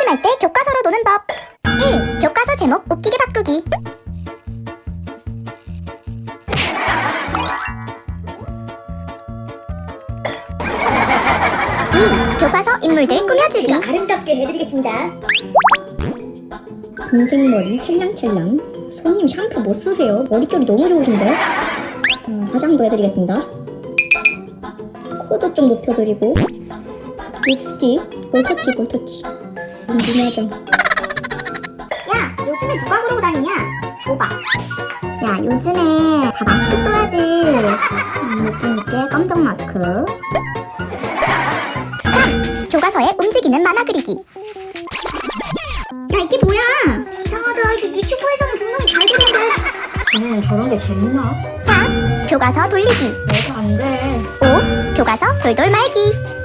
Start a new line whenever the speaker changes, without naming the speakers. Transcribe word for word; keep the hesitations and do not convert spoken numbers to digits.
심심할 때 교과서로 노는 법. 일. 교과서 제목 웃기게 바꾸기. 이. 교과서 인물들 꾸며주기.
제가 아름답게 해드리겠습니다.
흰색 머리 찰랑찰랑. 손님 샴푸 못 쓰세요? 머릿결이 너무 좋으신데? 음, 화장도 해드리겠습니다. 코도 좀 높여드리고 립스틱 볼터치 볼터치 궁금하죠?
야, 요즘에 누가 그러고 다니냐? 줘봐. 야, 요즘에 다 마스크 써야지. 음, 느낌있게 검정 마스크. 삼. 교과서에 움직이는 만화 그리기. 야, 이게 뭐야? 이상하다. 이거 유튜브에서는 분명히 잘 되는데.
쟤는 저런 게 재밌나?
사. 교과서 돌리기.
내가 안 돼.
오. 교과서 돌돌 말기.